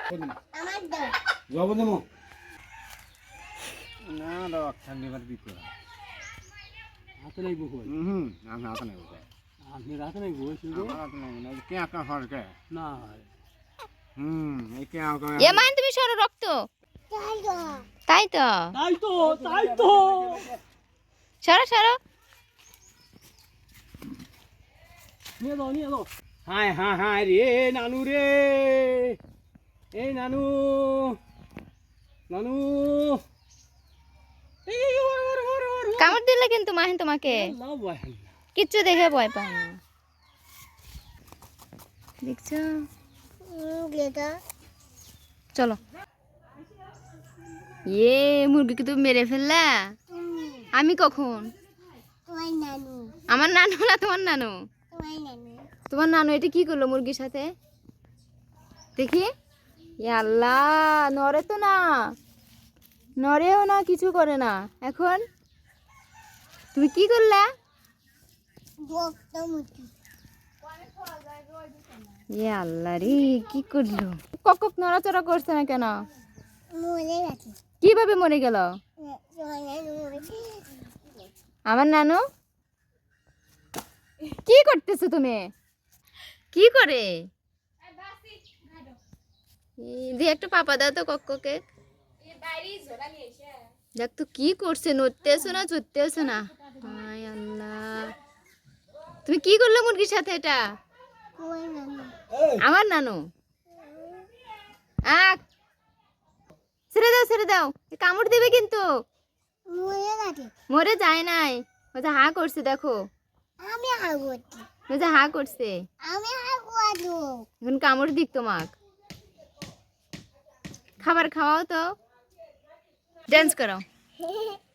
job দেবো না rock ঠান্ডিবার দিতে হাতে নাই বকো আমি হাতে নেব আপনি রাতে নাই বকো শুধু হাতে নেব না কে আকা ফরকে না এই কে আকা মান তুমি সরো রক্ত তাই তো তাই তো সরো সরো নিয়ে দাও হায় হায় হায় রে নানু রে এই নানু নানু কামড় দিলে কিন্তু মাহিন তোমাকে লাও ভাই কিচ্ছু দেখে ভয় পায় না দেখছো চলো মুরগিকে তুমি মেরে ফেললা আমি কখন আমার নানু না তোমার নানু তোমার নানু এটা কি করলো মুরগির সাথে দেখি আল্লাহ নড়ে তো না নড়েও না কিছু করে না এখন তুমি কি করলা আল্লাহ রে কি করলো কক নড়াচড়া করছে না কেন কিভাবে মরে গেল আমার নানু কি করতেছো তুমি কি করে দিয়ে একটা পাপা দাও তো কক্ককে দেখ তো কি করছে নড়তেছো না চড়তেছো না হায় আল্লাহ তুমি কি করলে মুরগির সাথে এটা আমার নানু ছেড়ে দাও কামড় দিবে কিন্তু মরে যায় নাই হা করছে দেখো হা করছে এখন কামড় দিক তোমাক খাবার খাওয়াও তো ডান্স করো